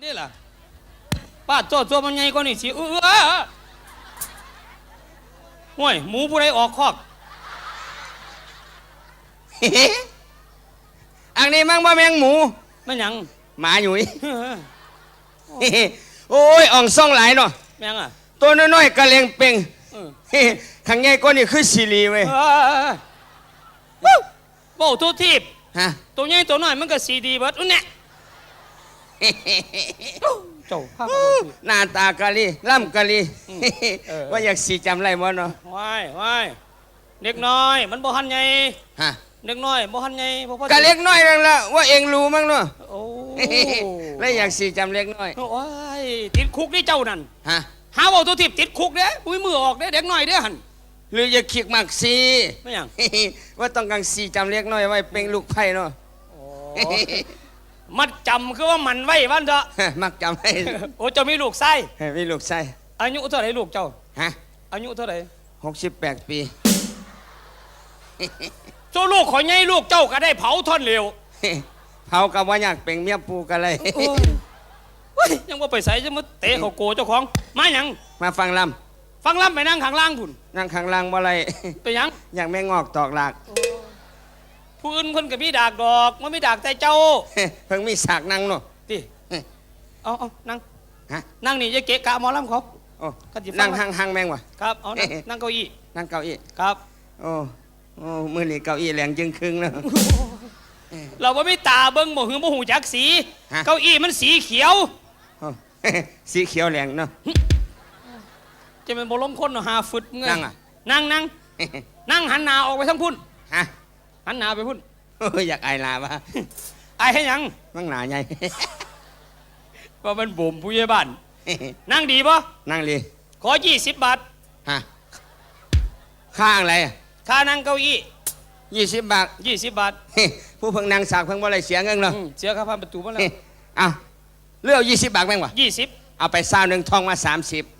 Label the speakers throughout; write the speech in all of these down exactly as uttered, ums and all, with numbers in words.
Speaker 1: นี่ล่ะป้าโจ้โจ้มันไงก็นี่สิเออห่วยหมูผู้ใดออกคอก
Speaker 2: อันนี้มั่งบ่แมงหมู
Speaker 1: มันหยัง
Speaker 2: หมาอยู่โอ้ยอ่องซ่องหลายเนาะ
Speaker 1: แมงอ่ะ
Speaker 2: ตัวน้อยๆกระเลงเป่งข้างใหญ่ก็นี่คือซีรีเว้ย
Speaker 1: โบ้ทุทีบ
Speaker 2: ฮะ
Speaker 1: ตัวใหญ่ตัวน้อยมันก็ซีดีเบิดอุ้นเนี่ยเจ้าภาพ
Speaker 2: หน้าตากะลีล่ำกะลีว่าอยากสีจำไรมั้งเนาะ
Speaker 1: ว้ายว้ายเด็กน้อยมันบ่หันใหญ่
Speaker 2: ฮะ
Speaker 1: เด็กน้อยบ่หันใหญ่
Speaker 2: กะเล็กน้อยนั่นละว่าเองรู้มั้งเนาะ
Speaker 1: โอ้
Speaker 2: แล้วอยากสีจำเล็กน้อย
Speaker 1: โอ้ยติดคุกนี่เจ้านั่น
Speaker 2: ฮะ
Speaker 1: หาว่าตัวทิพย์ติดคุกเด้อุ้ยมือออกเด้เด็กน้อยเด้หัน
Speaker 2: หรืออยากขีกมักสี
Speaker 1: ไม่ยัง
Speaker 2: ว่าต้องการสีจำเล็กน้อยไว้เป็นลูกไผ่เนาะ
Speaker 1: มัดจำคือว่ามันไว้วันเถอะ
Speaker 2: มักจำให้
Speaker 1: โอ้เจ้ามีลูกไส้
Speaker 2: มีลูกไส้
Speaker 1: อายุเท่าไหร่ลูกเจ้า
Speaker 2: ฮะ
Speaker 1: อายุเท่าไหร่
Speaker 2: หกสิบแปดปี
Speaker 1: เจ้าลูกขอใหญ่ลูกเจ้าก็ได้เผาท่อนเร็ว
Speaker 2: เผากับว่าอยากเป็นเมียปูกันเลย
Speaker 1: ยังว่าไปใส่จะมาเตะเขาโกเจ้าของมาหยัง
Speaker 2: มาฟังล
Speaker 1: ำฟังลำไปนั่งข้างล่างพุ่น
Speaker 2: นั่งข้างล่างบ่ไร
Speaker 1: ไปยัง
Speaker 2: อยากแม่งอกตอกหลัก
Speaker 1: ผู้อื่นคนกับมีดากดอกมันไม่ดากแต่เจ้า
Speaker 2: เพิ่งมีสากนั่งเนาะ
Speaker 1: ดิเอาเอานั่งฮะนั่งนี่จะเกะกะมอลำเขา
Speaker 2: โอ้นั่งห่างห่างแมงวะ
Speaker 1: ครับเอานั่งเก้าอี้
Speaker 2: นั่งเก้าอี้
Speaker 1: ครับ
Speaker 2: โอ้โอ้มือนี่เก้าอี้แหลงจึงครึ่งเนาะ
Speaker 1: เราไม่ตาเบิ้งบ่หือบ่หูจักสีเก้าอี้มันสีเขียว
Speaker 2: สีเขียวแหลงเนาะ
Speaker 1: จะเป็นบ่ล้มคนเนาะหาฟึดเงย
Speaker 2: นั่งอ่ะ
Speaker 1: นั่งนั่งนั่งหันหน้าออกไปทั้งพุ่น
Speaker 2: ฮะ
Speaker 1: หันหน้าไปพุ่น
Speaker 2: อยากไอลาปะ
Speaker 1: ไอให้ยัง
Speaker 2: มั่งหนาใหญ่
Speaker 1: ว่ามันบ่มผู้ใหญ่บ้านนั่งดีปะ
Speaker 2: นั่งดี
Speaker 1: ขอยี่สิบบาท
Speaker 2: ฮะค่าอะไร
Speaker 1: ค่านั่งเก้าอี้
Speaker 2: ยี่สิบบาท
Speaker 1: ยี่สิบบาท
Speaker 2: ผู้เพิ่งนั่งสากเพิ่งว่าอะไรเสียเงินเหรอ
Speaker 1: เสียค่าผ่านประตูมาแล้ว
Speaker 2: อ้าวเลือกยี่สิบบาทแม่งวะ
Speaker 1: ยี่สิบ
Speaker 2: เอาไปซาวหนึ่งทองมาสามสิบ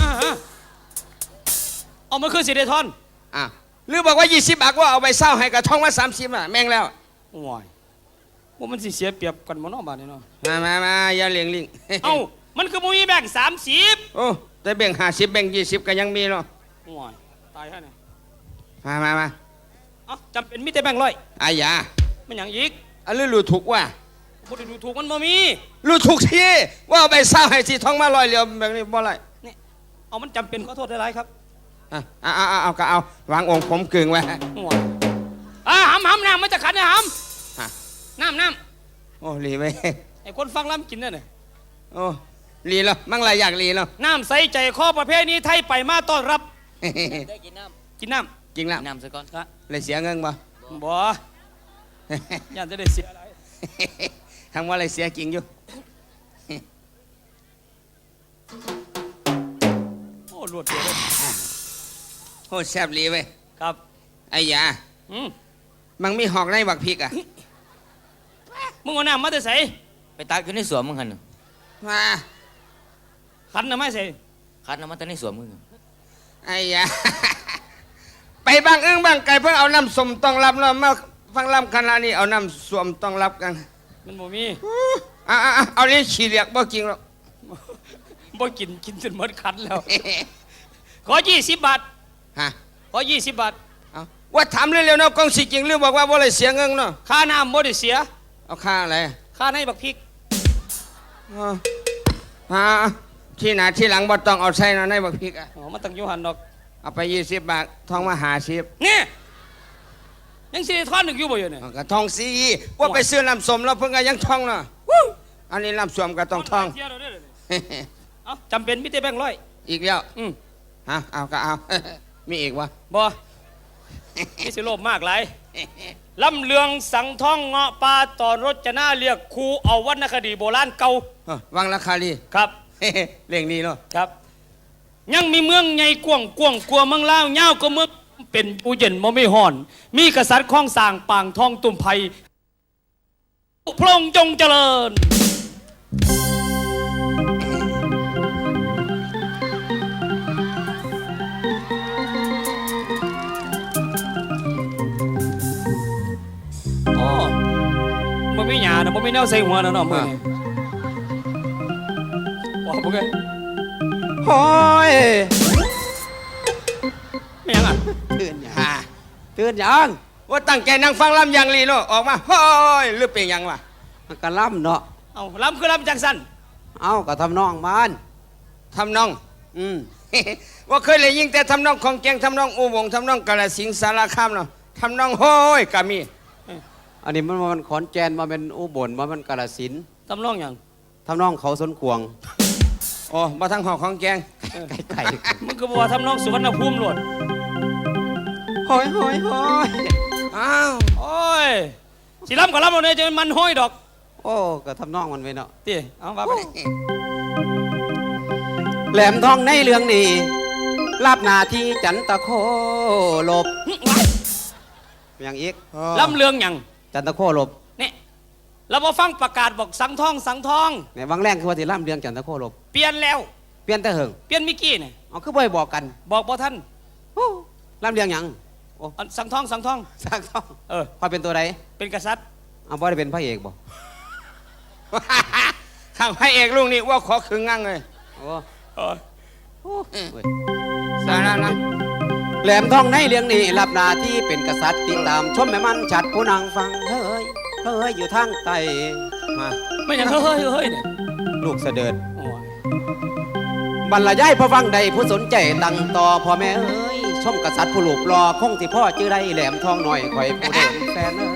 Speaker 1: เอามาคืนสิเดทอน
Speaker 2: อ้าวหรือบอกว่ายี่สิบบาทว่าเอาไปเศร้าให้กับทองมาสามสิบอ่ะแม่งแล้ว
Speaker 1: ว้ายว่ามันสิเสียเปรียบกันมั้งเนาะบ้านนี้เนาะ
Speaker 2: มามามาอย่าเลี้ยงลิง
Speaker 1: เอ้ามันคือมุ้ยแบ่งสามสิบ
Speaker 2: โอ้แต่แบ่งห้าสิบแบ่งยี่สิบก็ยังมีเนาะ
Speaker 1: ว้ายตายแค่ไหน
Speaker 2: มามามา
Speaker 1: เอ้าจำเป็นมิแต่แบ่งร้อย
Speaker 2: อายา
Speaker 1: มันอย่างอีก
Speaker 2: อันนี้รู้ถูกว่า
Speaker 1: พูดดูถูกมันบ่มี
Speaker 2: รู้ถูกที่ว่าเอาไปเศร้าให้สีทองมาลอยเหลียวแบบนี้บ่ไร
Speaker 1: นี่เอามันจำเป็นขอโทษได้ไรครับ
Speaker 2: อ่ะเอาเอาเอาก็เอาวางองค์ผมกึ่งไว้
Speaker 1: อ่าหำหำน้ำมันจะขัดนะหำน้ำน้
Speaker 2: ำโอ้ลีไว้
Speaker 1: ไอ้คนฟังล้ำกินนั่นเลย
Speaker 2: โอ้ลีแล้วมั่งไรอยากลีแล้ว
Speaker 1: น้ำใสใจข้อประเภทนี้ไทยไปมาต้อนรับ
Speaker 3: ได้กินน้
Speaker 1: ำกินน้
Speaker 2: ำกินน้ำ
Speaker 3: น้ำซะก่อน
Speaker 2: เลยเสียเงินบ่
Speaker 1: บ่ยันจะได้เสียอะไร
Speaker 2: ทำว่าอะไรเสียจริงอยู่
Speaker 1: โอ้รวดเดียวเลย
Speaker 2: โอ้แซ่บลีไว้
Speaker 1: ครับ
Speaker 2: ไอ้ยา
Speaker 1: อืม
Speaker 2: มันมีหอกในบักพริกอ่ะ
Speaker 1: มึงเอาน้ำมาแต่ใส่
Speaker 3: ไปตักอยู่ในสวนมึงคัน
Speaker 2: มา
Speaker 1: ขันน้ำไม่ใส่
Speaker 3: ขันน้ำมันแต่ในสวนมึง
Speaker 2: ไอ้ยาไปบางเอื้องบางไก่เพื่อเอาน้ำสมต้องรับเนาะมาฟังลำขนาดนี้เอาน้ำสวมต้องรับกัน
Speaker 1: มันบ่มี
Speaker 2: อ่ะเอาเลี้ยฉีเรียกบ่กินหรอก
Speaker 1: บ่กินกินจนหมดคันแล้วขอยี่สิบบาท
Speaker 2: ฮะ
Speaker 1: ขอยี่สิบบาท
Speaker 2: ว่าถามเร็วๆเนาะกองสิจริงหรือบอกว่าบ่ได้เสียเงินเนาะ
Speaker 1: ค่าน้ำบ่ได้เสีย
Speaker 2: เอาค่าอะไร
Speaker 1: ค่าในบักพริก
Speaker 2: ฮะที่หน้าที่หลังบ่ต้องเอาใส่นะในบักพริกอ่ะ
Speaker 1: อ๋อมันต้องอยู่หันดอก
Speaker 2: เอาไปยี่สิบบาททองมาหาสิบ
Speaker 1: เนี่ยยังสิทอนหนึ่งอยู่บ่อยู่เนี่ย
Speaker 2: ก็ทองสีว่าไปซื้อน้ำส้มแล้วเพิ่งก็ยังทองเนาะอันนี้น้ำส้มก็ต้องทอง
Speaker 1: เอาจำเป็นมิเตแบงค์ร้อย
Speaker 2: อีกแล้ว
Speaker 1: อืม
Speaker 2: ฮะเอาก็เอามีอีกวะ
Speaker 1: บ่นี่สิโลภมากหลายลำเลืองสังท่องเงาะปลาตอนรถจะน่าเรียกครูเอาวรรณคดีโบราณเก่า
Speaker 2: วังราคาลี
Speaker 1: ครับ
Speaker 2: เรื่องนี้เนาะ
Speaker 1: ครับยังมีเมืองใหญ่กว้างกว้างกลัวเมืองลาวเงาก็เมืองเป็นผู้เย็นบ่ไม่ห่อนมีกษัตริย์ข้องสร้างปางทองตุ่มไผ่พระองค์จงเจริญอ๋อมันไม่หยานะมันไม่แนวใส่หัวนะเนาะมือเอาบ่เอ้ย
Speaker 4: โอ้ย
Speaker 1: ไม่ยังอ่ะ
Speaker 4: ตื่นหยัง
Speaker 2: อ่า
Speaker 4: ตื่นหยัง
Speaker 2: ว่าตั้งใจนั่งฟังลำอย่างลีเนาะออกมาโอ้ยหรือเป็นหยังวะ
Speaker 4: มันก็ล่ำเนาะ
Speaker 1: เอาลำคือลำจังสัน
Speaker 4: เอาก็ทำนองมัน
Speaker 2: ทำนอง
Speaker 4: อืม
Speaker 2: ว่าเคยเลยยิงแต่ทำนองของแกงทำนองอูวงทำนองกาฬสิงห์สารคามเนาะทำนองโฮ้ยกามี
Speaker 4: อันนี้มันมันขอนแก่นมาเป็นอุบลมาเป็นกาฬสินธุ์
Speaker 1: ทำนองหยัง
Speaker 4: ทำนองเขาสนขวง
Speaker 2: โอ้มาทั้งหอกของแกง
Speaker 4: ไก่
Speaker 1: มึงก็บอกว่าทำนองสุวรรณภูมิโลด
Speaker 4: โอ้ยโอ้ยโอ้ย
Speaker 2: อ้าว
Speaker 1: โอ้ยสิลำกับลำเอาเนี่ยจะมันห้อยดอก
Speaker 4: โอ้ก็ทำนองมันไว้เนาะ
Speaker 1: ตีเอาว่าไป
Speaker 4: แหลมทองในเรื่องนี้รับหน้าที่จันตะโคลบอย่างอีก
Speaker 1: ลำเลืองหยัง
Speaker 4: จันตะโคลบ
Speaker 1: เนี่ยเรามาฟังประกาศบอกสังทองสังทอง
Speaker 4: ในวังแรงคือว่าที่ล่ำเรื่องจันตะโคลบ
Speaker 1: เปลี่ยนแล้ว
Speaker 4: เปลี่ยนแต่เหิง
Speaker 1: เปลี่ยนมิกกี้เนี่ย
Speaker 4: เอาคือบ่อยบอกกัน
Speaker 1: บอกบ่ท่าน
Speaker 4: โอ้ล่ำเรื่องหยังโอ้
Speaker 1: อันสังทองสังทอง
Speaker 4: สักต้อง
Speaker 1: เออ
Speaker 4: คอยเป็นตัวใด
Speaker 1: เป็นกษัตริย์
Speaker 4: เอาบ่ได้เป็นพระเอกบ่
Speaker 2: ข้างพระเอกลุงนี่ว่าขอขึงงั่งเลย
Speaker 4: โอ้
Speaker 1: เออ
Speaker 4: โอ้เว้ย
Speaker 2: สาระนะ
Speaker 4: แหลมทองในเรื่องนี้รับหน้าที่เป็นกษัตริย์ติดตามชมแม่มันฉัดผู้นางฟังเฮ้ยเฮ้ยอยู่ทางใต้
Speaker 2: มา
Speaker 1: ไม่หยังเฮ้ยเฮ้ยเฮ้ยเนี่ย
Speaker 4: ลูกเสด็จ
Speaker 1: โอ้ย
Speaker 4: บรรยายพระฟังใดผู้สนใจตั้งต่อพ่อแม่เอ้ยชมกษัตริย์ผู้ลูกรอคงที่พ่อจื้อได้แหลมทองหน่อยคอยผู้เด่นแฟนเอ้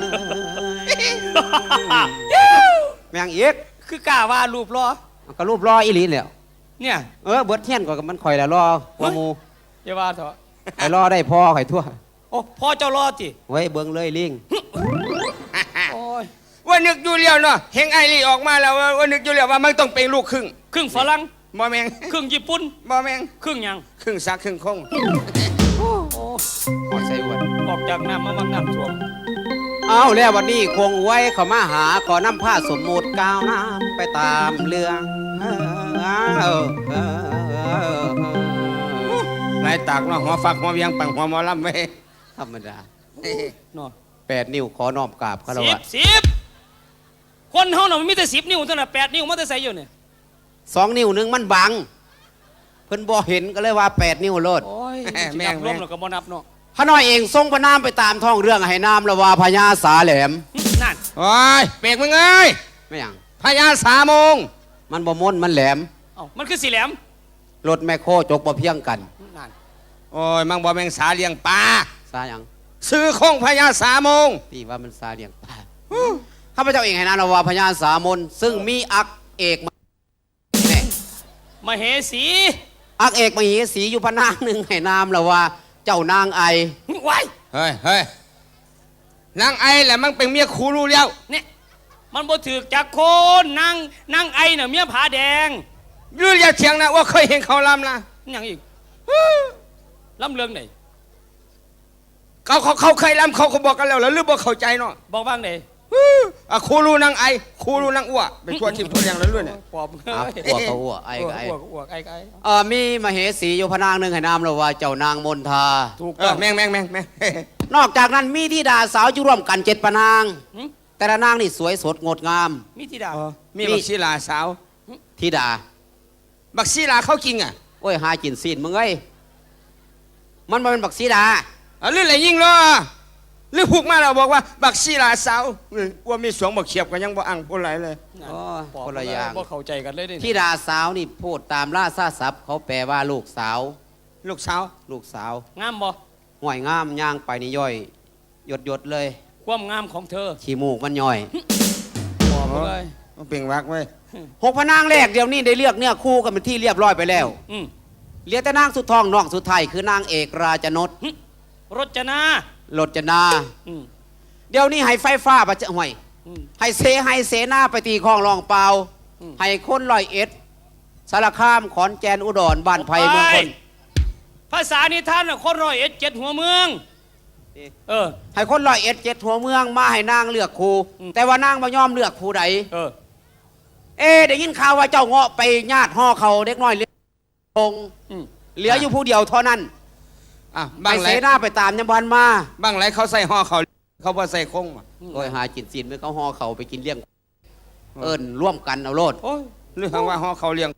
Speaker 4: ยแมงเอก
Speaker 1: คือกล้าว่ารูปรอ
Speaker 4: ก็รูปรออีหลีแล้ว
Speaker 1: เนี่ย
Speaker 4: เออเบิดเทียนก็มันคอยแล้วรอหัวหมู
Speaker 1: อย่าว่าเถอะ
Speaker 4: ไอ้รอได้พ่อข่อยทั่ว
Speaker 1: โอ้พ่อเจ้ารอจิ
Speaker 4: ไว้เบิ่งเลยลิง
Speaker 1: โอ้ย
Speaker 2: ว่านึกอยู่เลี้ยวเนาะเฮงไอรีออกมาแล้วว่าว่านึกอยู่เลี้ยวว่ามันต้องเป็นลูกครึ่ง
Speaker 1: ครึ่งฝรั่ง
Speaker 2: บ่แมง
Speaker 1: ครึ่งญี่ปุ่น
Speaker 2: บ่แมง
Speaker 1: ครึ่งหยัง
Speaker 2: ครึ่งซักครึ่งคง
Speaker 1: โอ้
Speaker 4: หอดใส่อวด
Speaker 1: ออกจากน้ำมาบางน้ำท่วม
Speaker 4: เอาแล้ววันนี้คงไว้เขามาหาขอนำผ้าสมมุติก้าวน้ำไปตามเรื่องเออเออเออ
Speaker 2: ลายตากเนาะหัวฟักหัวเวียงปังหัวหมอลำไว้
Speaker 4: ธรรมดา
Speaker 1: เนาะ
Speaker 4: แปดนิ้วขอนอมกราบคาร
Speaker 1: สิ
Speaker 4: วะ
Speaker 1: บสิบคนเฮาน่ะมันมีแต่สิบนิ้วเท่านั้นแปดนิ้วมันจะใส่อยู่เนี่ย
Speaker 4: สองนิ้วหนึ่งมันบัง เพิ่นบ่เห็นก็เลยว่าแปดนิ้วโลด
Speaker 1: โอ้ยแม่งรวมแล้วก็บ่นับเนาะ
Speaker 4: พระน้อยเองทรงพระนามไปตามท้องเรื่องให้นามละว่าพญาสาแหลม
Speaker 1: นั่น
Speaker 2: โอ้ยเปกมึงเอ้ย
Speaker 4: ไม่หยัง
Speaker 2: พญาสามโมง
Speaker 4: มันบ่ม่นมันแหลม
Speaker 1: เอ้ามันคือสีแหลม
Speaker 4: รถแมคโครจกบ่เพียงกัน
Speaker 1: นั่น
Speaker 2: โอ้ยมังบ่แมงสาเลี้ยงปลา
Speaker 4: ซาหยัง
Speaker 2: ซื้อคงพญาสามโมง
Speaker 4: ที่ว่ามันซาเลียงปลาข้าพเจ้าเองให้นามละว่าพญาสามนซึ่งมีอักเอกมาแน่
Speaker 1: มเหสี
Speaker 4: อักเอกมเหสีอยู่พระนางหนึ่งให้นามละว่าเจ้านางไอ
Speaker 1: ไว้
Speaker 2: เฮ้ยเฮ้ยนางไอแหละมันเป็นเมียครูรู้แล้ว
Speaker 1: เนี่ยมันบ่ถือจากคนนางนางไอน่ะเมียผาแดง
Speaker 2: ยืนอย่าเถียงนะว่าเคยเห็นเขาลำนะ
Speaker 1: นี่หยังอีกลำเรื่องไหน
Speaker 2: เขาเขาเขาเคยลำเขาเขาบอกกันแล้วแล้วหรือบอกเข้าใจเนาะ
Speaker 1: บอกบ้างไหน
Speaker 2: อ่ะครูรู้นางไอครูรู้นางอ้วเป็นตัวทิมตัวแดงแล้วด้วยเนี่ย
Speaker 1: ปอบ
Speaker 4: อ่ะอ้วกก็อ้วกไอก็ไอ
Speaker 1: อ้วกอ้วกไอก็ไอ
Speaker 4: เออมีมเหสีอยู่พระนางหนึ่งให้นามละว่าเจ้านางมนทา
Speaker 1: ถูก
Speaker 2: เอ
Speaker 1: ต้อ
Speaker 2: อง แม่งแม่งแม่งแม่ง
Speaker 4: นอกจากนั้นมีที่ดาสาวอยู่ร่วมกันเจ็ดพระนาง
Speaker 1: หึ
Speaker 4: แต่ละนางนี่สวยสดงดงาม
Speaker 1: มีที่ดา
Speaker 2: มีบักชีลาสาว
Speaker 4: ธิดา
Speaker 2: บักชีลาเขาจริงอ่ะ
Speaker 4: โอ้ยหากินซีนมึงเอ้ยมันมาเป็นบักสีดา
Speaker 2: อ่ะหรืออะไรยิ่งเนาะหรือพูกมาเราบอกว่า บักชีลาสาวเออว่ามีสวงบักเขียบกันยังบ่อังบ่ไหลเลย
Speaker 1: นั่น
Speaker 4: โอ้ย
Speaker 1: ปอบ
Speaker 4: คนละอย่าง
Speaker 1: บ่เข้าใจกันเลยนี่
Speaker 4: ธิดาสาวนี่พูดตามล่าซาศัพท์เขาแปลว่าลูกสาว
Speaker 2: ลูกสาว
Speaker 4: ลูกสาว
Speaker 1: งามบ่
Speaker 4: ห่วยงามย่างไปนี่ย่อยหยดหยดๆเลย
Speaker 1: ความงามของเธอ
Speaker 4: ขี้มูกมันย่อย
Speaker 1: ปอบเลย
Speaker 2: มันเป็นวักไว้ย
Speaker 4: หกพระนางแรกเดี๋ยวนี้ได้เลือกเนี่ยคู่กันเป็นที่เรียบร้อยไปแล้ว
Speaker 1: อืม
Speaker 4: เหลือแต่นางสุดทองน้องสุดไทยคือนางเอกราชนด
Speaker 1: รจนา
Speaker 4: ลดจนา
Speaker 1: อืม
Speaker 4: เดี๋ยวนี้ให้ไฟฟ้าประจะห่วย
Speaker 1: อืม
Speaker 4: ให้เซให้เสนาไปตีคลองรองเปล่า
Speaker 1: อืม
Speaker 4: ให้คนลอยเอ็ดสารคามขอนแก่นอุดรบ้านไผ่เมืองคน
Speaker 1: ภาษานิทานน่ะคนร้อยเอ็ดเจ็ดหัวเมือง เออ
Speaker 4: ให้คนลอยเอ็ดเจ็ดหัวเมืองมาให้นางเลือกครู
Speaker 1: อืม
Speaker 4: แต่ว่านางไม่ยอมเลือกครูใด
Speaker 1: เออ
Speaker 4: เอ๊ะได้ยินข่าวว่าเจ้าเงาะไปญาติห่อเขาเด็กน้อยเลี้ยง
Speaker 1: อืม
Speaker 4: เหลืออยู่ผู้เดียวเท่านั้น
Speaker 2: อ่ะ
Speaker 4: ไป
Speaker 2: บางไหล
Speaker 4: เสนาไปตามยมบันมา
Speaker 2: บางไหลเขาใส่ห่อเขาเขาบ่ใส่คงว่ะ
Speaker 4: โอ้ยหาจินซีนเมื่อเขาห่อเขาไปกินเลี้ยง เอิญร่วมกันเอาโลด
Speaker 1: โอ้ย
Speaker 2: หรือหางว่าห่อเขาเลี้ยง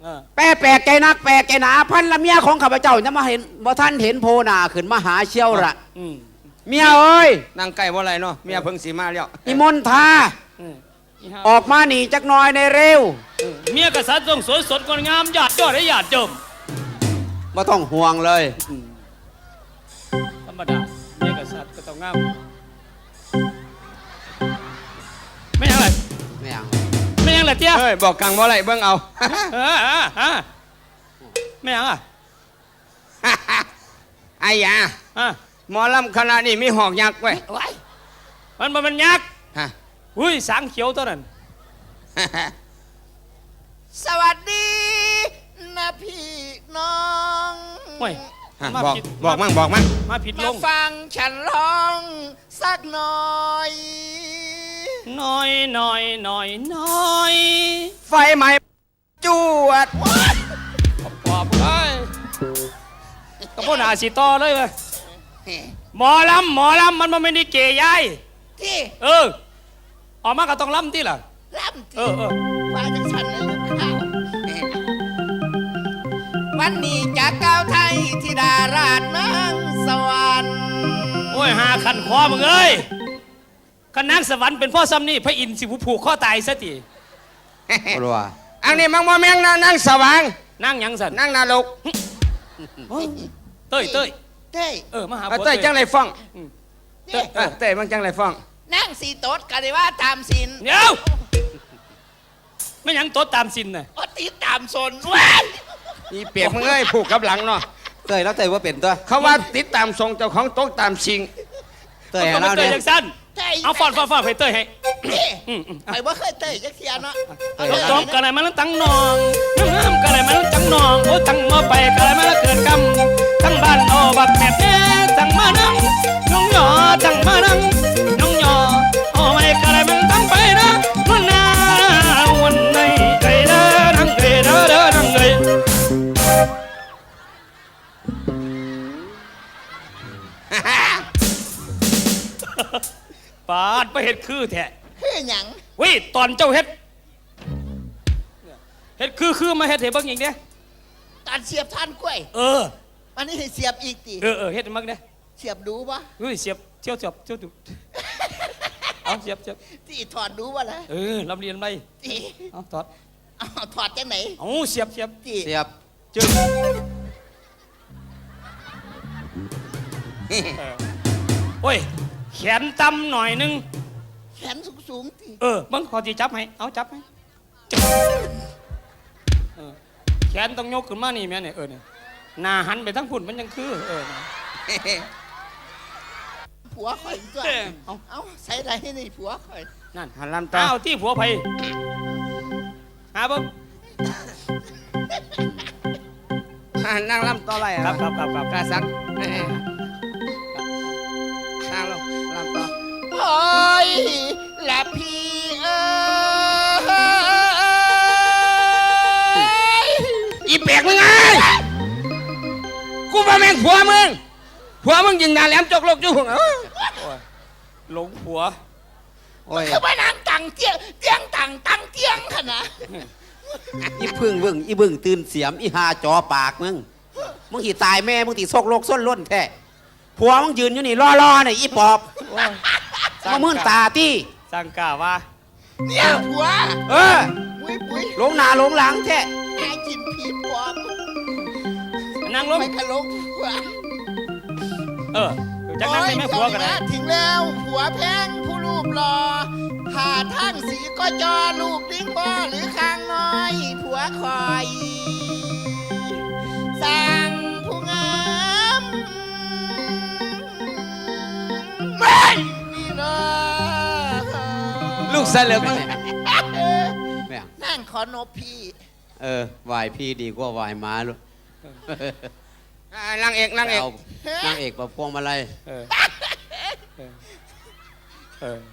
Speaker 1: เออ
Speaker 4: แปลแปลกใจนักแปลกใจหนาพันละเมียของข้าพเจ้าจะมาเห็นบ่ท่านเห็นโพนาขึ้นมาหาเชี่ยวละ
Speaker 1: อืม
Speaker 4: เมียเอ้ย
Speaker 2: นั่งใกล้บ่ไรเนาะเมียเพิ่งสีมาแล้ว
Speaker 4: นิมนต์ทา
Speaker 1: อืมอีห่า
Speaker 4: ออกมาหนีจักหน่อยในเร็ว
Speaker 1: อืมเมียกษัตริย์ต้องสวยสดงดงามหยาดยอดให้หยาดเจิม
Speaker 4: บ่ต้องห่วงเลย
Speaker 1: ธรรมดาเมียกษัตริย์ก็ต้องงามไม่ยังไร
Speaker 4: ไม่เอา
Speaker 1: ไม่ยังไรเตี้ย
Speaker 2: เฮ้ยบอกกังบ่ไรเบิ่งเอา
Speaker 1: เออเออเออไม่ยังอ่ะ
Speaker 2: ไอ้ยา
Speaker 1: อ่ะ
Speaker 2: หมอลำคณะนี้มีหอกยักษ์ไว้ย
Speaker 1: ไว้มันมันมันยักษ์
Speaker 2: ฮะ
Speaker 1: อุ้ยสางเขียวตัวนั้น
Speaker 5: สวัสดีนะพี่น้อง
Speaker 1: โอ้ย
Speaker 2: ฮะ
Speaker 1: มา
Speaker 2: บอก
Speaker 1: ผิด
Speaker 2: บอกมั่งบอกมั่ง
Speaker 1: มาผิดล
Speaker 5: มาง ฟังฉันร้องสักหน่อย
Speaker 1: น้อยน้อยน้อยน้อย
Speaker 2: ไฟไหม้จวด
Speaker 1: ปอบเอ้ยก็พ่นอาสีต่อเลยเว้ยหมอลำหมอลำมันมันไม่ได้เกยยาย
Speaker 5: ที่
Speaker 1: เออ ออกมาก็ต้องลำที่ล่ะ
Speaker 5: ล่ำ
Speaker 1: เอ
Speaker 5: ที่
Speaker 1: อเออ
Speaker 5: ว่าจังฉันเลยลูกข้าววันนี้จากก้าวไทยที่ดาราชเมืองสวรรค์
Speaker 1: โอ้ยหาขันคอมึงเอ้ยขันนางสวรรค์เป็นพ่อซ้ำนี่พระอินทร์สิผู้ผูกข้อตายซะที
Speaker 4: บ่รู้ว่า
Speaker 2: อันนี้มังบ่แมงนะนั่งสว่าง
Speaker 1: นั่งหยังสัน
Speaker 2: นั่งนาลก
Speaker 1: เต้ยเต้ย
Speaker 5: เต้ย
Speaker 1: เออมาหา
Speaker 2: เอา
Speaker 1: ผัว
Speaker 2: เต้ยจังไรฟ้อง
Speaker 5: เต้ย
Speaker 2: เออเต้ยมันจังไรฟ้อง
Speaker 5: นั่งสีโต๊ดกันเลยว่าตามสิน
Speaker 1: เดี๋ยวไม่หยังโต๊ดตามสินน่ะ
Speaker 5: โอตีตามสนว้าย
Speaker 2: อีเปียกมึงเอ้ยผูกกับหลังเนาะ
Speaker 4: เต้ยแล้วเต้ยว่าเป็นตัว
Speaker 2: เขาว่าติดตามทรงเจ้าของโต๊ะตามชิง
Speaker 4: เต้ย
Speaker 1: ก็
Speaker 4: ให้
Speaker 1: ไม่
Speaker 4: เรา
Speaker 1: เต้ย
Speaker 4: เนี่ย
Speaker 1: ยังสั้น
Speaker 5: เต้ย
Speaker 1: เอาฟอนฟอนฟอนให้เต้ยให้
Speaker 5: เต้ย
Speaker 1: อืมอืม
Speaker 5: ไปว่าเคยเต้ยจักเทียเนาะ
Speaker 1: จบจบกันอะไรมาแล้วตั้งนองน้ำกันอะไรมาแล้วตั้งนองโอ้ตั้งมาไปกันอะไรมาแล้วเกิดกรรมทั้งบ้านโอบักแม่แม่ตั้งมานั่งน้องหยอตั้งมานั่งน้องหยอโอ้ไม่กันอะไรมันตั้งไปนะวันนาวันไหนไก่เด้อนั่งไก่เด้อเด้อนั่งไก่ปาดไปเห็ดคือแท้
Speaker 5: คือหยัง
Speaker 1: วิตอนเจ้าเฮ็ดเฮ็ดคือคือมาเฮ็ดเห็ดเบิ่งอีกเนี่ย
Speaker 5: การเสียบท่านกล้วย
Speaker 1: เออ
Speaker 5: อันนี้ให้เสียบอีกตี
Speaker 1: เออเออเฮ็ดให้มักเนี่ย
Speaker 5: เสียบดูปะ
Speaker 1: เฮ้ยเสียบเที่ยวเสียบเที่ยวดูเอาเสียบเสียบ
Speaker 5: ที่ถอดดูปะล่ะ
Speaker 1: เออลำเรียนไป
Speaker 5: ที่
Speaker 1: เอาถอด
Speaker 5: เอาถอดจังไหน
Speaker 1: เอาเสียบเสียบ
Speaker 5: ที่
Speaker 4: เสียบ
Speaker 1: จึงเออโอ้ยแขนต่ำหน่อยนึง
Speaker 5: แขนสูงสูงๆที่
Speaker 1: เออเบิ่งขอจีจับให้เอาจับให้จับเออแขนต้องยกขึ้นมานี่แม่เนี่ยเออเนี่ยหน้าหันไปทั้งพุ่นมันยังคือเออ
Speaker 5: ผัวข่อยตัว
Speaker 1: เอา
Speaker 5: เอาใส่อะไรให้นี่ผัวข่อย
Speaker 1: นั่น
Speaker 2: หันลำตา
Speaker 1: อ้าวที่ผัวไผหาเบิ่ง
Speaker 2: อ่านั่งลำต่อไร
Speaker 1: ค
Speaker 2: ค
Speaker 1: รั
Speaker 2: รั
Speaker 1: บบ ครับครับครับ
Speaker 2: กาสักนั่งลงลำต่อ
Speaker 5: โอ้ยและพี่เอ้ย
Speaker 2: อีเปียกมึงไงกูว่าแม่งผัวมึงผัวมึงยิงดาแหลมจกโลกจุ่งเอ้ย
Speaker 1: หลงผัว
Speaker 4: โอ้ย
Speaker 5: คือมานั่งตังเตียงเตียงตังตังเตียงขนาด
Speaker 4: อีพึ่งเบิ่งอีบึ้งตื่นเสียมอีหาจอปากมึงมึงสิตายแม่มึงสิซกโลกส้นล้นแท้ผัวมึงยืนอยู่นี่รอๆเนี่ยอีปอบมามื่นตาตี้
Speaker 1: สร้างกาว่า
Speaker 5: เนี่ยผัว
Speaker 4: เออ
Speaker 5: ปุ้ยปุ้ย
Speaker 4: หลงหน้าหลงหลังแท้
Speaker 5: หากินผีปอบ
Speaker 1: นั่งลง
Speaker 5: ไปกะลกผัว
Speaker 1: เออจากนั้นไม่แม่ผัวกัน
Speaker 5: โอ้
Speaker 1: นะ
Speaker 5: ยถึงแล้วผัวแพงผู้รูปหล่อผ่าทั้งสีก็จอลูกดิ้งบ่หรือข้างน้อย ผัวคอยสั่งผู้งามไม่นี่นะ
Speaker 2: ลูกเสลิมมึง
Speaker 4: แม่ง
Speaker 5: นั่งขอนบพี่
Speaker 4: เออวายพี่ดีกว่า วายม้าลูก
Speaker 2: อ่านางเอกนางเอก
Speaker 4: เอานางเอกประพวงมาลัย
Speaker 1: เออเออเออ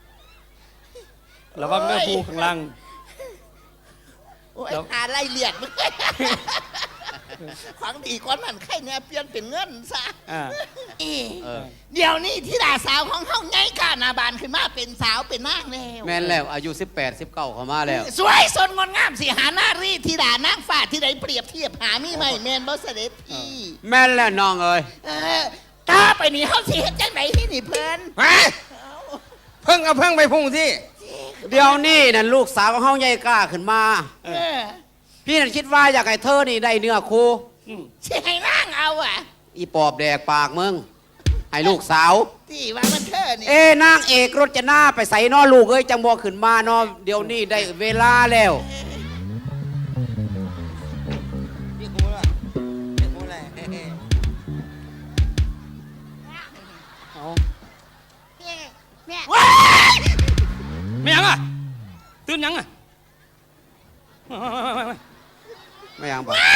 Speaker 1: ระวังเนื้อผู้ข้างล่าง
Speaker 5: โอ้ย
Speaker 1: แล้ว
Speaker 5: หาไรเหลียดมึงของดีกว่านั้นใครเนี่ยเปลี่ยนเป็นเงินซะ
Speaker 1: อ่า
Speaker 5: อี
Speaker 4: เออ
Speaker 5: เดี๋ยวนี้ที่ดาสาวของเฮาไงกาหนาบานขึ้นมาเป็นสาวเป็นนางแล้ว
Speaker 4: แม่นแล้วอายุสิบแปด สิบเก้าเข้ามาแล้ว
Speaker 5: สวยสดงดงามสิหาหน้ารีที่ดานางฟ้าที่ใดเปรียบเทียบหามีไหมแมนบ่เสด็จพี่
Speaker 4: แม่นแล้วน้องเอ้ย
Speaker 5: เออต่อไปนี้เฮาสิเฮ็ดจังไดที่นี่เพิ่น
Speaker 2: ฮะเพิ่งเอาเพิ่งไปพุ่งที่
Speaker 4: เดี๋ยวนี้นั่นลูกสาวของเฮาใหญ่กล้าขึ้นมา
Speaker 5: เออ
Speaker 4: พี่นั่นคิดว่าอยากให้เธอนี่ได้เนื้อคู่
Speaker 1: อืม
Speaker 5: สิให้นางเอาอ่ะ
Speaker 4: อีปอบแดกปากมึงให้ลูกสาว
Speaker 5: ที่ว่ามันเธอนี่
Speaker 4: เอ้นางเอกรจนาไปใส่นอลูกเอ้ยจังบ่ขึ้นมานอเดี๋ยวนี้ได้เวลาแล้ว
Speaker 3: พี่กูล่ะพี่กูล่ะเฮ้
Speaker 1: เอา
Speaker 5: แม่
Speaker 1: ไม่ยังอ่ะตื่นยังอ่ะ
Speaker 4: ไม่ยังบอก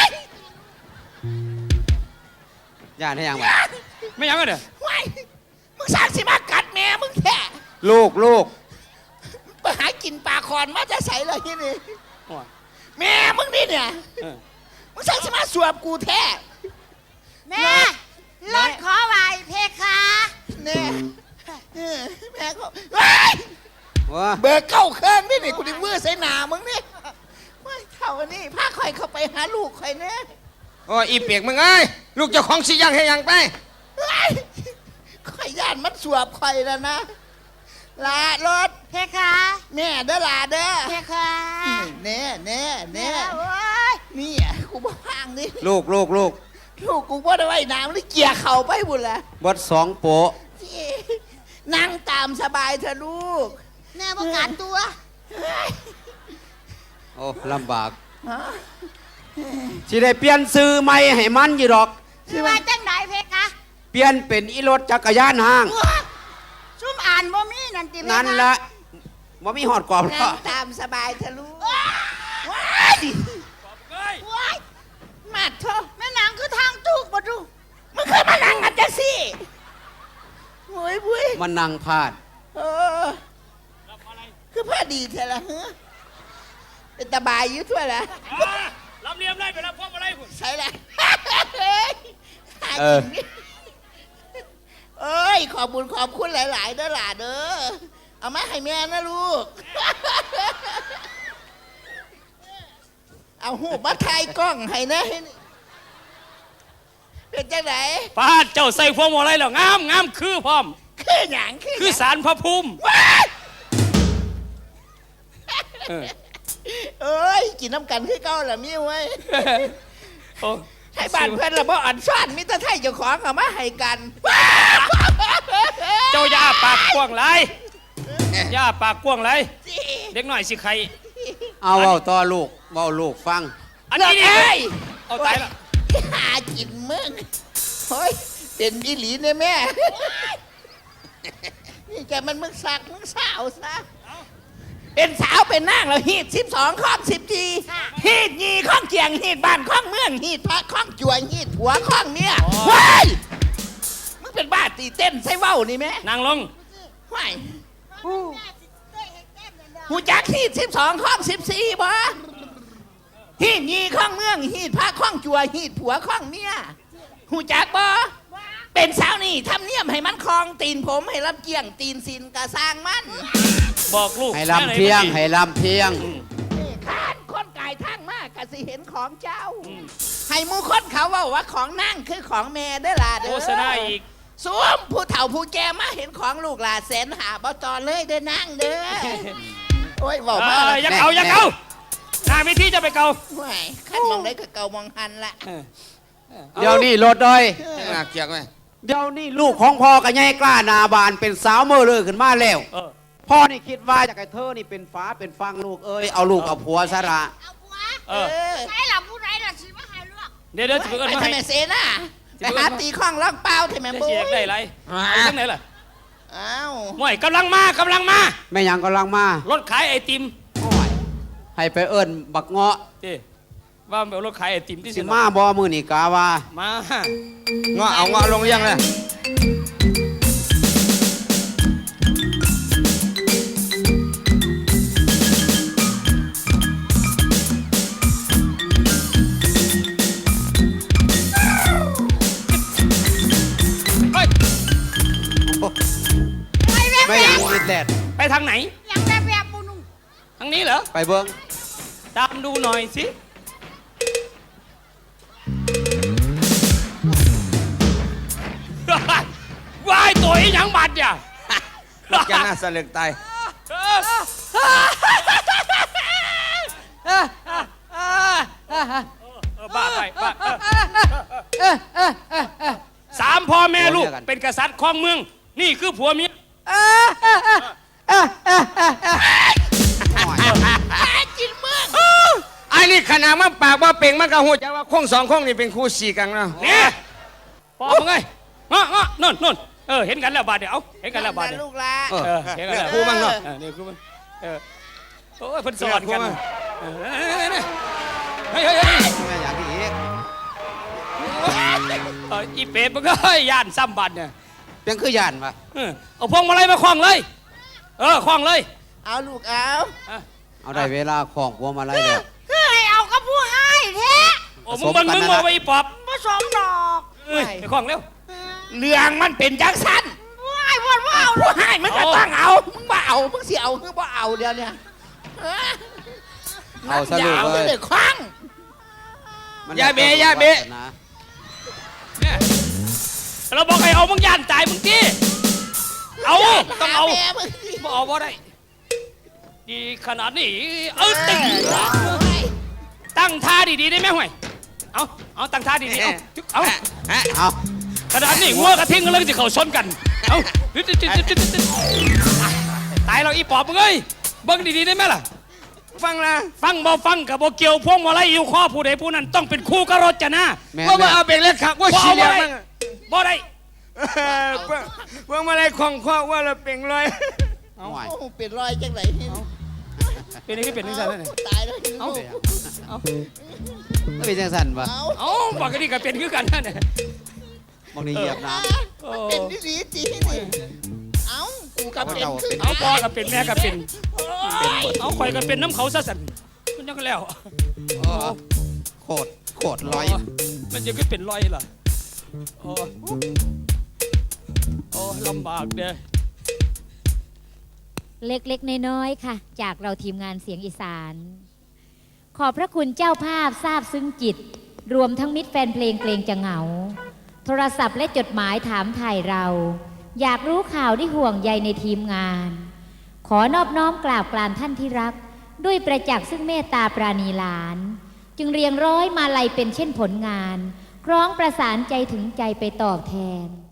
Speaker 4: ย่านให้ยังบอก
Speaker 1: ไม่ยังอ่ะเด้อ
Speaker 5: ว้ายมึงสร้างสิมากัดแม่มึงแท้
Speaker 4: ลูกลูก
Speaker 5: ไปหากินปลาคอนมาจะใส่เลยที่นี่
Speaker 1: โอ้ย
Speaker 5: แม่มึงนี่เนี่ย
Speaker 1: เออ
Speaker 5: มึงสร้างสิมาสวบกูแท้
Speaker 6: แม่รถขอไหวเพคะ
Speaker 5: แน่เออแม่ก็ว้าย
Speaker 4: ว้า
Speaker 5: เบิกเข้าเครื่องนี่นี่กูดิมือใส่หนามึงนี่ว้ายเท่านี้พาคอยเข้าไปหาลูกคอยเนี่ย
Speaker 2: โอ้ยอีเปียกมึงเอ้ยลูกเจ้าของสิยังให้ยังไป
Speaker 5: ว้ายคอยย่านมันสวบคอยแล้วนะลารถ
Speaker 6: เพคะ
Speaker 5: แม่เด้อลาเด้อ
Speaker 6: เพคะ
Speaker 5: แน่แน่แน่
Speaker 6: โอ้ย
Speaker 5: นี่อ่ะกูบ่พางนี่
Speaker 4: ลูกลูกลูก
Speaker 5: ลูกกูบ่ได้ไว้น้ำนี่เกี่ยเข่าไปบุญละ
Speaker 4: บดสองโปะ
Speaker 5: นั่งตามสบายเถอะลูก
Speaker 6: แม่ประกาศตัว
Speaker 4: โอ้ลำบากสิได้เปลี่ยนซื้อใหม่ให้มันอยู่ดอก
Speaker 6: คือว่าจังไหนเพคะ
Speaker 4: เปลี่ยนเป็นอีรถจักรยานห้าง
Speaker 6: ซุ่มอ่านบ่มีนั่นติเพคะ
Speaker 4: นั่นละว่ามีหอดกรอบ
Speaker 5: นั่
Speaker 4: ก็
Speaker 5: งตามสบายเถอะลูก
Speaker 6: ว้า
Speaker 5: ว้าย
Speaker 1: เฮ้ย
Speaker 6: ว้าย
Speaker 5: มาเถอะ
Speaker 6: แม่นางคือทางถูกบ่ดู
Speaker 5: มึงเคยมานั่งกันจังสิโอ้ยบุ้ย
Speaker 4: มันนั่งพาด
Speaker 5: เออคือพอดีเถอะละฮะเป็นตาบายอยู่ทั่วละ
Speaker 1: อ่าลำเลียมไล่ไปรับพวกมาไล่คุณ
Speaker 5: ใช่ละเฮ้ยหากินนี่เอ้ยขอบบุญขอบคุณหลาย ๆ เด้อหล่ะเด้อเอามาให้แม่นะลูก เอาหูบัตรไทยกล้องให้นะเป็นจังไหน
Speaker 1: ป้าเจ้าใส่พวกมาไล่แล้วงามงามคือพร้อม
Speaker 5: คือหยังคือห
Speaker 1: คือ
Speaker 5: ยัง
Speaker 1: สารพระภูมิ
Speaker 5: ว้าย
Speaker 1: เออ
Speaker 5: เอ้ยกินน้ำกันคือเก่าละมีไว้ย
Speaker 1: โอ้
Speaker 5: ให้บ้านเพื่อนละบ่อ่อนซ่อนมิตรไทยเจ้าของเอามาให้กัน
Speaker 1: เจ้าอย่าปากกว้างไรอย่าปากกว้างไรเด็กหน่อยสิใคร
Speaker 4: เอาเว้าต่อลูกเว้าลูกฟัง
Speaker 1: อันนี้นี่
Speaker 5: เอ้ย
Speaker 1: เอาตายละ
Speaker 5: หากินมึงโอ้ยเป็นอีหลีเนี่ยแม่ นี่แกมันมึงสักมึงสาวซะเป็นสาวเป็นนางแล้วฮีดสิบสองข้องสิบจีฮีดยีข้องเกียงฮีดบ้านข้องเมืองฮีดพระข้องจวยฮีดผัวข้องเมียว้ายมึงเป็นบ้าตีเต้นใส่เว้านี่แม่
Speaker 1: นางลง
Speaker 5: ว้ายหูจักฮีดสิบสองข้องสิบสี่บ่ฮีดยีข้องเมืองฮีดพระข้องจวยฮีดผัวข้องเมียหูจักบ่เป็นสาวนี่ทำเนียมให้มันคลองตีนผมให้รับเกี่ยงตีนสินกะสร้างมัน
Speaker 1: บอกลูก
Speaker 4: ให้ลำเพียงให้ลำเพียง
Speaker 5: นี่ข้านคนกายทางมากกะสิเห็นของเจ้า ให้หมูคนเขาเว่าว่าของนั่งคือของแม่เด้อล่ะเด้อ
Speaker 1: โฆษณาอีก
Speaker 5: สวมผู้เฒ่าผู้แก่มาเห็นของลูกหลานแสนหาบ่จอเลยเด้อนั่งเด้อโอ้ยบอก
Speaker 1: เอ
Speaker 5: มา
Speaker 1: อยังเอายังเอาหน้าวิธีจะไปเกา
Speaker 5: ห่วยขันมองได้ก็เกามองหันละ
Speaker 1: เออ
Speaker 4: เดี๋ยวนี้รถเลย
Speaker 2: น่าเกลียดไหม
Speaker 4: เดี๋ยวนี้ลูกของพ่อกับยายกล้าหนาบานเป็นสาวเมื่อเลยขึ้นมาแล้ว
Speaker 1: เออ
Speaker 4: พ่อนี่คิดว่าอยากให้เธอนี่เป็นฟ้าเป็นฟังลูกเอ้ยเอาลูกเอาผัวซะละ
Speaker 6: เอาผัว
Speaker 1: เอ
Speaker 5: เอ
Speaker 1: อ
Speaker 5: อ
Speaker 6: ใช่หลับผู้ใดล่ะสิมาให้เลือก
Speaker 1: เดี๋ยวเดี๋ยวจะไปเอิ้น
Speaker 5: ไป
Speaker 1: มา
Speaker 5: ทำ
Speaker 1: ให้
Speaker 5: ไมเซน่ะ
Speaker 1: สิ
Speaker 5: ไป
Speaker 1: ไปเอิ้น
Speaker 5: หาตีข้องล่องเปล่าทำไม
Speaker 1: จะ
Speaker 5: บุ้
Speaker 1: เสีย
Speaker 5: ย
Speaker 1: ได้ไรเอาจังไหนล่ะ
Speaker 5: อ้าว
Speaker 1: ห่วยกำลังมากำลังมา
Speaker 4: แม่ยังกำลังมาร
Speaker 1: ถขายไอติม
Speaker 4: ให้ไปเอิ้นบักเงาะ
Speaker 1: เจ้ว่ามันเป็นรถขายไอติมที่
Speaker 4: สิมาบอมือนี่กาว่า
Speaker 1: มา
Speaker 2: เงาะเอาเงาะลงยังเลย
Speaker 1: างไหน
Speaker 6: อย่างแบบแบบบุนุง
Speaker 1: ทางนี้เหรอ
Speaker 4: ไปเบิ้ง
Speaker 1: ตามดูหน่อยสิ วายตัวอีหยังบัดเนี่ย
Speaker 2: ลูกแกน่าสลึกตาย
Speaker 1: เออบ้าไปบ้าเออสามพ่อแม่ลูกเป็นกษัตริย์ของเมือง นี่คือผัวเมีย
Speaker 5: จินเมือง
Speaker 2: ไอ้นี่ขนาดมันปากว่าเป่งมันก็หูจักว่าคงสองคงนี่เป็นคู่สีกันเนาะ
Speaker 1: เนี่ยพ่อมึงไงงะงะนั่นนั่นเออเห็นกันแล้วบาดเดี๋ยวเอาเห็นกันแล้วบาดเดี๋ยว
Speaker 5: ลูกละ
Speaker 2: เออ
Speaker 1: เออเห็นกันแล้ว
Speaker 2: ครูบ้างเนาะ
Speaker 1: เออนี่ครูมึงเออโอ้ยเพิ่นสอนกันเออเฮ้ยเฮ้ยเฮ้ย
Speaker 4: แม่อยากที่อีก
Speaker 1: เอออีเป๊ะมันก็เฮ้ยย่านซ้ำบัดเนี่ย
Speaker 4: เพียงคือย่านปะ
Speaker 1: เออเอาพวงมาลัยมาคล้องเลย เออคล้องเลย
Speaker 5: เอาลูกเอา
Speaker 4: เอาได้เวลาของพวงมาลัยแล้ว
Speaker 6: คือให้เอากับผู้ให้แท้
Speaker 1: โอ้มึงเบังมึงมาไปอีปอบ
Speaker 6: ผสมดอก
Speaker 1: เอ้ยไปคล้องเร็ว
Speaker 5: เรื่องมันเป็นจังสัน
Speaker 6: ว้ายวนว่าเอา
Speaker 5: ผู้ให้มันก็ต้องเอา มึงบ่เอา มึงสิเอาคือบ่เอาเดี๋ยวเนี่ย
Speaker 4: เอาสรุป
Speaker 5: ยาว
Speaker 4: เลย
Speaker 5: เลยคว้าง
Speaker 4: มัน
Speaker 2: อย่าเบะอย่าเบะ
Speaker 4: นะ
Speaker 1: เนี่ยเราบอกให้เอามึงย่านตายมึงที่เอาต้องเอา
Speaker 5: หแม่มึงสิ
Speaker 1: บ่เอาบ่ได้ดีขนาดนี้เออตึงตั้งท่าดีๆได้ไหมห่วยเอาเอาตั้งท่าดีๆเอาเอา
Speaker 4: เอา
Speaker 1: ขนาดนี้งัวกระทิงกันเลยจะเข้าชนกันเอาตายเราอีปอบมึงเอ้ยเบิ่งดีๆได้ไหมล่ะ
Speaker 2: ฟังนะ
Speaker 1: ฟังบ่ฟังกับบ่เกี่ยวพวงมาลัยอยู่ข้อผู้ใดผู้นั้นต้องเป็นคู่กับรถจะนะ
Speaker 4: แม่
Speaker 2: ว่า
Speaker 4: แม่
Speaker 2: ว่าเอาเป่งเล็กขักว่า
Speaker 1: บ่
Speaker 2: สี
Speaker 1: เอา
Speaker 2: เหลี่
Speaker 1: บ่
Speaker 2: ยม
Speaker 1: ได้
Speaker 2: มัน
Speaker 1: บ่ได้
Speaker 2: เออเพิ่งเพิ่งมาอะไรของข้อว่าเราเป่งเลย
Speaker 4: เอาไหว
Speaker 5: โอ้เป็นรอยจังไหนนี่
Speaker 1: เป็นนี่เป็นนี่ซะนั่น
Speaker 5: ตายแล้วนี่
Speaker 1: เอา
Speaker 5: ลูก
Speaker 1: เอา
Speaker 4: ไม่เป็นจังสันปะ
Speaker 5: เอา
Speaker 1: เอาบอกกันนี่ก็เป็นคือกันนั่นแหละ
Speaker 4: บางทีเหยียบน้
Speaker 1: โอ้
Speaker 5: เป็นดีดีจีนี่เอากูกับเป็นคือ
Speaker 1: เอาพ่อก็เป็นแม่ก็เป็นเอาข่อยก็เป็นน้ำเขาซะสั่นมันยังก็แล้ว
Speaker 4: ำโอ้โคตรโคตรลอย
Speaker 1: มันยังก็เป็นรอยล่ะโอ้โอ้ลำบากเด้อ
Speaker 7: เล็กๆ น้อยๆ ค่ะ จากเราทีมงานเสียงอีสาน ขอบพระคุณเจ้าภาพทราบซึ้งจิต รวมทั้งมิตรแฟนเพลงเกรงจะเหงา โทรศัพท์และจดหมายถามถ่ายเรา อยากรู้ข่าวที่ห่วงใยในทีมงาน ขอนอบน้อมกราบกรานท่านที่รัก ด้วยประจักษ์ซึ่งเมตตาปราณีหลาน จึงเรียงร้อยมาลัยเป็นเช่นผลงาน คล้องประสานใจถึงใจไปตอบแทน